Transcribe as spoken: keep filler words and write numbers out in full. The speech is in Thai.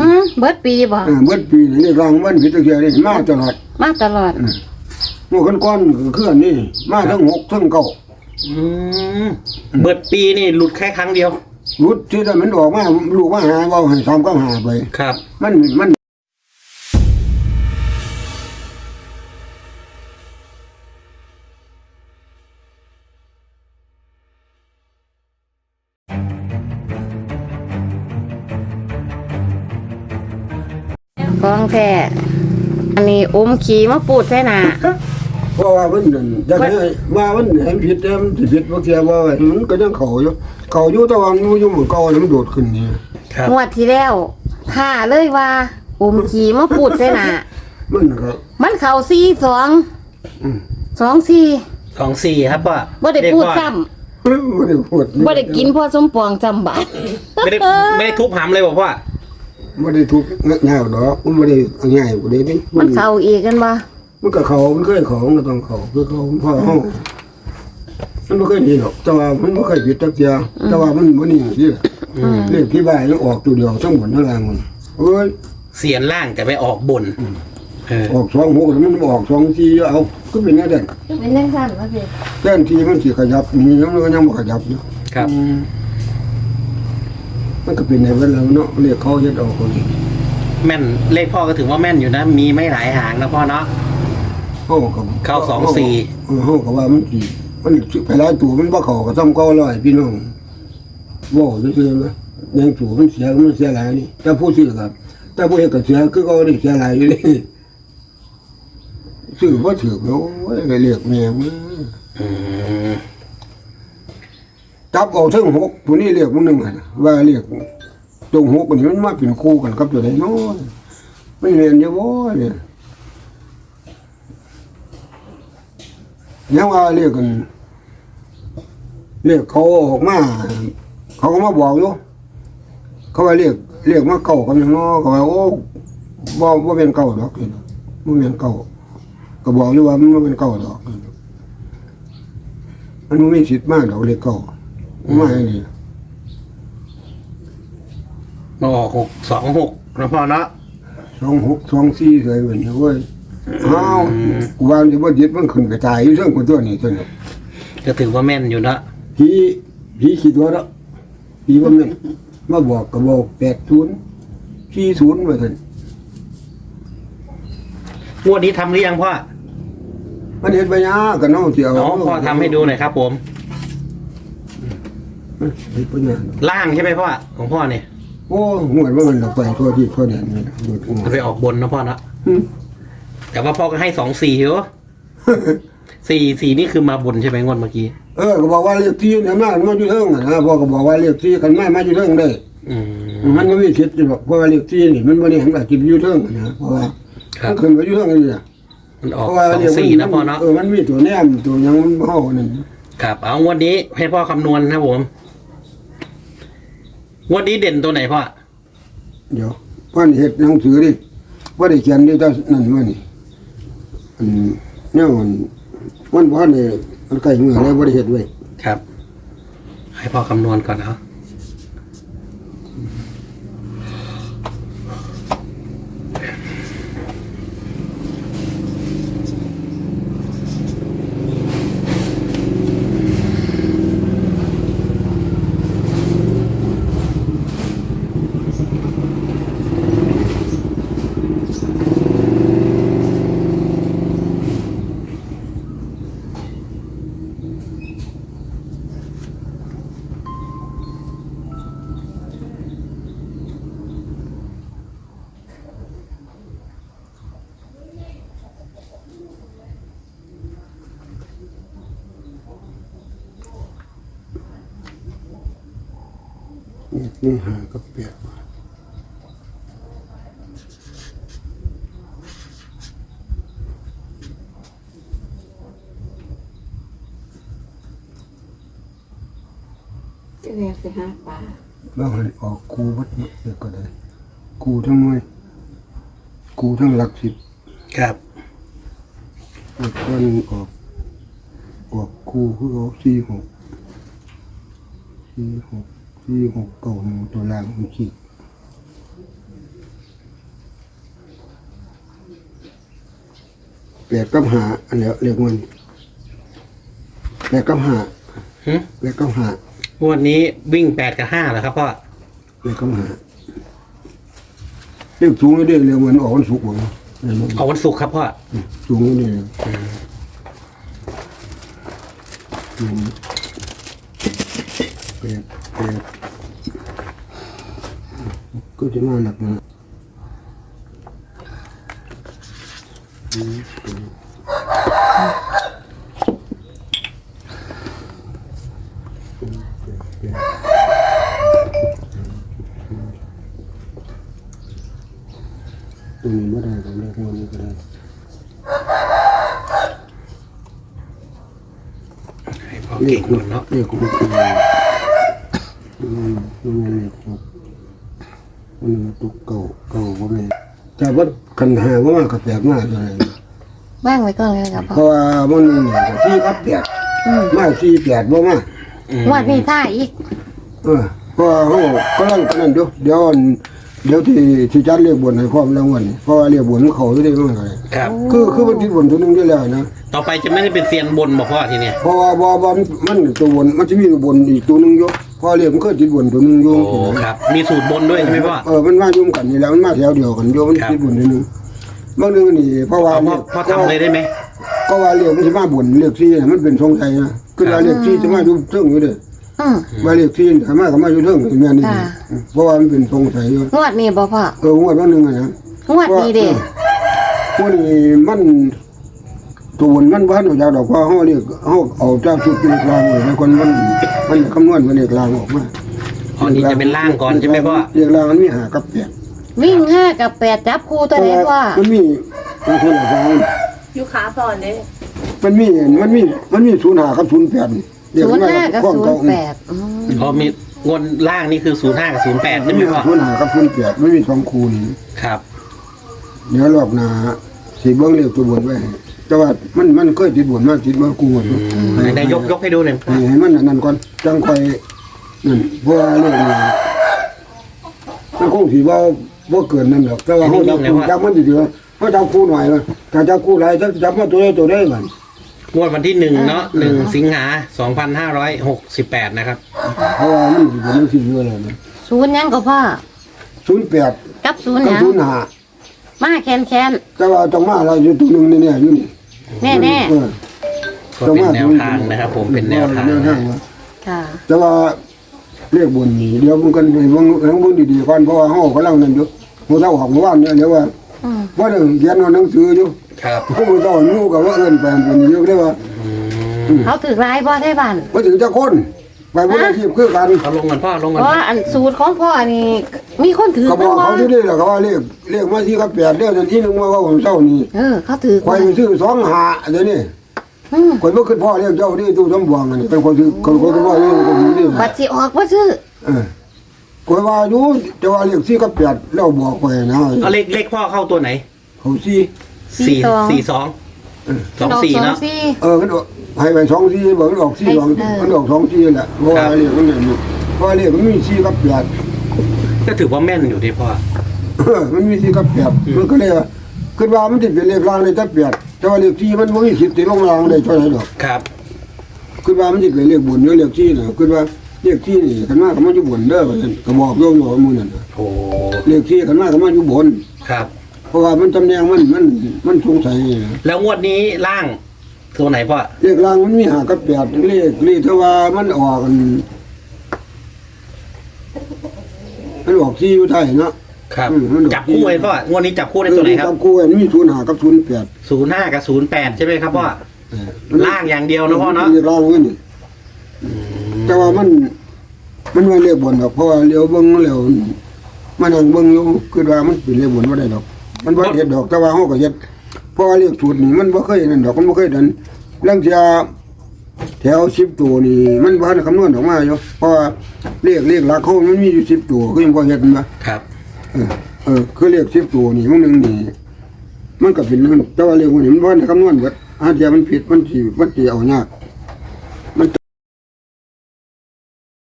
มเบิดปีบ่เออเบิดปีนี่รางวันพิจารณานี่มาตลอดมาตลอดหมู่ก้อนๆคืออันนี้มาทั้งหกทั้งเก้าอืมเบิดปีนี่หลุดแค่ครั้งเดียวรุดที่ได้มันออกมาลูกมาหาเว้าให้ทำก็หาไปครับมันมันของแท้อันนี้อมขี้มาปูดใส่หน้าเพราะว่ามันนั่นอยากให้ว่ามันให้ผิดแต่มันสิผิดบ่เสียว่ามันก็ยังเข้าอยู่เข้าอยู่แต่ว่ามันอยู่หมู่เก่าแล้วมันโดดขึ้นนี่งวดที่แล้วท่าเลยว่าอมขี้มาปูดใส่หน้ามันก็มันเข้าสี่สองอืมสองสี่สองสี่ครับพ่อบ่ได้พูดซ้ำบ่ได้พูดบ่ได้กินพ่อสมปองจำบาดไม่ได้ไม่ได้ทุบหำเลยบอกพ่อไม่ได้ทุกง่ายดอกมันไม่ได้ง่ายกว่านี้นี่มันเข่าอีกกันบ่มันก็เขามันเคยเขามันต้องเขาคือเขาพ่อห้องมันไม่เคยดีหรอกแต่ว่ามันไม่เคยผิดจักเดียวแต่ว่ามันมันนี่ที่เรื่องที่บ้านยังออกตัวเดียวทั้งหมดทั้งแรงมันเอ้ยเสียนล่างแต่ไปออกบนออกสองหกมันออกสองทีเอาก็เป็นแน่เด่นเป็นแน่สั้นว่าสิแน่นทีมันสิขยับนี่ยังมันยังไม่ขยับอยู่ครับมันก็เป็นในเวลาเนาะเรียกเขาจะออกคนแม่นเลขพ่อก็ถือว่าแม่นอยู่นะมีไม่หลายหางนะพ่อเนาะเข้ากับเข้าสองสี่เข้ากับว่ามันกี่มันไปหลายตัวมันว่าเขาก็ต้องเก้าร้อยพี่น้องว่าด้วยใช่ไหมยังตัวมันเสียมันเสียหลายนี่แต่ผู้ซื้อครับแต่ผู้เห็นก็เสียคือเขาได้เสียหลายอยู่เลยซื้อว่าถือแล้วเรียกแม่มึงจับเอาทั้งหกตัวนี้เรียกมึงหนึ่งว่าเรียกตรงหกคนนี้มันมาเป็นคู่กันกับตัวไหนน้อยไม่เรียนเยอะบ่เนี่ยยังว่าเรียกกันเรียกเขาออกมาเขาก็มาบอกอยู่เขาว่าเรียกเรียกมาเก่ากันอย่างน้อยเขาว่าโอ้บ่บ่เป็นเก่าดอกนี่บ่เป็นเก่าก็บอกอยู่ว่ามันบ่เป็นเก่าดอกมันไม่มีสิทธิ์มากดอกเรียกเก่าไม่นี่มาออกหกสองหกนะพ่อเนาะสองหกสองสี่เลยเหมือนเว้ยอ้าววันที่ว่ายึดมันขึ้นกระจายอยู่เรื่องคนตัวนี้ตัวนี้ก็ถือว่าแม่นอยู่นะพี่พี่คิดว่าแล้วพี่ว่าแม่นมาบอกก็บอกแปดศูนย์สี่ศูนย์มาท่านงวดนี้ทำหรือยังพ่อมันเห็นปัญญากันน้องเสียวน้องพ่อทำให้ดูหน่อยครับผมล่างใช่ไหมพ่อของพ่อเนี่ยโอ้หวดว่ามันเราไปทั่วที่ทั่วแดนนี่จะไปออกบนนะพ่อนะแต่ว่าพ่อก็ให้สองสี่เหรอสี่สี่นี่คือมาบนใช่ไหมงวดเมื่อกี้เออก็บอกว่าเรียกที่เนี่ยมามาอยู่เทิงนะพ่อก็บอกว่าเรียกที่กันไม่มาอยู่เทิงได้มันก็ไม่คิดจะบอกเพราะว่าเรียกที่นี่มันไม่ได้เห็นแบบกินอยู่เทิงนะเพราะว่าขึ้นไปอยู่เทิงนี่นะมันออกสองสี่นะพ่อเนาะเออมันมีตัวแนมตัวยังมันเข้าหนึ่งครับเอางวดนี้ให้พ่อคำนวณนะผมงวดนี้เด่นตัวไหนพ่อเดี๋ยวพ่อเห็ดหนังสือดิว่าได้เขียนดิแต่นั่นว่านี่อันเนี่ยมันวันพ่อเนี่ยมันไก่เมื่อไรว่าได้เห็ดไว้ครับให้พ่อคำนวณก่อนเนาะนี่หาก็เปียกจะเรียกสิฮะป่าบางคนออกกูวัดเด็กก็ได้กูทั้งน้อยกูทั้งหลักสิบครับวันออกออกกูคือออกสี่หกสี่หกสี่หกเก่าหนึ่งตัวล่างมันขีดแปดกับห้าอันเนี้ยเรียกมันแปดกับห้าหึแปดกับห้างวดนี้วิ่งแปดกับห้าเหรอครับพ่อแปดกับห้าเรียกสูงเรียกเรียกมันออกวันศุกร์หมดเอาวันศุกร์ครับพ่อสูงนี่อืมแปดแปดก็จะมาหนักนะอืมตรงนี้ไม่ได้ตรงนี้ตรงนี้ก็ได้ให้พ่อเก่งก่อนเนาะเรียกคุณครูอืมนี่ไงเรียกครับมันตุกเก่าเก่าว่าไงแต่ว่าคันหาว่ามันก็แปลกมากเลยว่างไว้ก่อนเลยครับเพพ่อราะว่ามันที่ครับแปดมาสี่แปดบ่มางวดนี้ท่าอีกเออเพราะว่าเขากำลังกันนั่นเดี๋ยวเดี๋ยวเดี๋ยวที่ที่จัดเรียกบนให้พร้อมแล้ววันเพราะว่าเรียกบนเขาอยู่ได้มากเลยครับคือคือมันที่บนตัวหนึงได้แล้วนะต่อไปจะไม่ได้เป็นเซียนบนบอกพ่อทีเนี้ยเพราะว่าบ่บ่มันตัวบนมันจะมีตัวบนอีกตัวหนึงอยู่พอเรียกมันเคยติดบนตัวหนึงอยู่โอ้ครับ มีสูตรบนด้วยใช่ไหมพ่อเออมันมายุ่มกันนี่แหล้วมันมาแถวเดียวกันโยมันครับติดบนตัวหนึงบางนึงนี่เพราะว่าเอาพ่อพ่อทำเลยได้ไหมก็ว่าเรียกมันสิมาบนเรียกซี่น่ะมันเป็นทรงไทยนะคือว่าเรียกซี่จะมาอยู่เทิงอยู่เด้ออืมว่าเรียกซี่ถ้ามาก็มาอยู่เทิงแม่นนี่ค่ะเพราะว่ามันเป็นทรงไทยอยู่งวดนี้บ่พ่อเอองวดวันหนึงอะนะงวดนี้เด้งวดนี้มันตัวบนมันบ้านเอาจากดอกว่าเฮาเรียกเฮาเอาเจ้าชุดเป็นกลางเลยแล้วคนมันมันคำนวณเป็นเลขกลางออกมาอ๋อนี่จะเป็นล่างก่อนใช่ไหมพ่อเลขกลางมันมีห้ากับแปดวิ่งห้ากับแปดจับคู่ตัวไหนพ่อมันมีมันคนละสองอยู่ขาพอนเด้มันมีมันมีมันมีศูนย์ห้ากับศูนย์แปดศูนย์ห้ากับศูนย์แปดอืมอ๋อมีงวดล่างนี่คือศูนย์ห้ากับศูนย์แปดมัใช่นไหมมีพ่อศูนย์ห้ากับศูนย์แปดไม่มีสองคูณครับเดี๋ยวรอบหน้าสิเบิ่งเลขตัวบนไว้ให้แต่ว่ามันมันเคยติดบนมาติดมากูหมดไหนๆยกยกให้ดูหน่อยพ่อให้มันอันนั่นก่อนจังค่อยนั่นเพราะว่าเลขนี้มันคงสิบ่บ่เกินนั่นหรอกแต่ว่าเฮาจับคู่จับมันดีๆเฮาจับคู่หน่อยว่าถ้าจับคู่หลายจับจับมาตัวใดตัวใดก่อนงวดวันที่หนึ่งเนาะหนึ่งสิงหาสองพันห้าร้อยหกสิบแปดนะครับเพราะว่ามันสิเป็นจังซี่อยู่แล้วนะศูนย์ยังก็พ่อศูนย์แปดกับศูนย์กับยังศูนย์ห้ามาแคนแคนแต่ว่าต้องมาอะไรอยู่ตัวหนึงเนี่ยอยู่นี่แน่แน่เออก็เป็นแนวทางนะครับ ผมเป็นแนวทางแนวทางว่าๆค่ะแต่ว่าเรียกบนนี่เดี๋ยวมันกันไปเบิ่งเบิ่งดีๆก่อนเพราะว่าเฮากำลังนั่นอยู่มื้อเช้าออกเมื่อวานเนี่ยเดี๋ยวว่าอืมว่าเดี๋ยวเขียนเอาหนังสืออยู่ครับผู้มื้อเช้าอยู่กับว่าเอิ้นไปเป็นอยู่ได้ว่าเขาถือร้ายพ่อได้บ้านบ่ถึงจะคนไปบ่ได้ทีมคือกันเอาลงกันพ่อลงเพกันราะว่าอันสูตรของพ่อนี่มีคนถือก็บบ้าอง กบ่เขาที่นี่แหละเขาว่าเรียกเรียกมาที่ครับแปดเดือนนั้นที่นึงว่าว่าผมเช้านี้เออ เขาถือข่อยไปซื้อสองหาเดี๋ยวนี้อืมข่อยบ่คิดพ่อเรียกเจ้านี่ตู้สมบวงอันนี้เป็นคนซื้อคนคนพ่อเรียกคนนี้นี่บัตรสิออกบ่ซื้อเออข่อยว่าอยู่จะว่าเรียกสี่กับแปดแล้วบอกข่อยนะเอาเลขเลขพ่อเข้าตัวไหนเขาสี่สี่สี่สองสองสี่ดกเนาะสี่เออมันออกให้ไปสองสี่บอกมันออกสี่สองเออมันออกสองสี่แหละเพราะว่าเรียกมันเนี่ยอยู่เพราะว่าเรียกมันมีสี่กับแปดก็ถือว่าแม่นอยู่ที่พ่อเออมันมีสี่กับแปดมันก็เลยว่าคิดว่ามันจะเป็นเลขรางในแต่แปดแต่ว่าเลขสี่มันบ่มีสิทธิ์ที่ลงรางได้เท่าไหร่ดอกครับคิดว่ามันจะเป็นเลขบุญหรือเลขสี่น่ะคิดว่าเลขสี่นี่คันมาก็มันอยู่บนเด้อว่าซั่นก็บอกโยมโยมมื้อนั้นน่ะโอ้เลขสี่คันมาก็มันอยู่บนครับเพราะว่ามันตำแหน่งมันมันมันสงสัยนี่นะแล้วงวดนี้ล่างตัวไหนพ่อเลขรางมันมีห้ากับแปดเลขเลขที่ว่ามันออกกันมันออกสี่อยู่ไทยเนาะครับอืมมันออกจับคู่ไว้พ่องวดนี้จับคู่ได้ตัวไหนครับจับคู่มันมีศูนย์ห้ากับศูนย์แปดศูนย์ห้ากับศูนย์แปดใช่ไหมครับพ่อล่างอย่างเดียวนะพ่อเนาะเลขรางมันนี่แต่ว่ามัน มันว่าเลขบนดอกเพราะว่าเลี้ยวเบิ่งแล้วมันนั่งเบิ่งอยู่คิดว่ามันเป็นเลขบนบ่ได้ดอก มันบ่เฮ็ดดอกแต่ว่าเฮาก็เฮ็ดเพราะว่าเลขสูตรนี่มันบ่เคยนั่นดอกมันบ่เคยดันเรื่องเที่ยแถวสิบตัวนี่มันบ่ทันคำนวณออกมาอยู่เพราะว่าเลขเลขหลักเขามันมีอยู่สิบตัวก็ยังบ่เฮ็ดมันบ่ครับเออเออคือเลขสิบตัวนี่มันหนึงนี่มันก็เป็นนั่นแต่ว่าเลขพวกนี้มันบ่ทันคำนวณเบิดอาเทียมันผิดมันสิมันสิเอายาก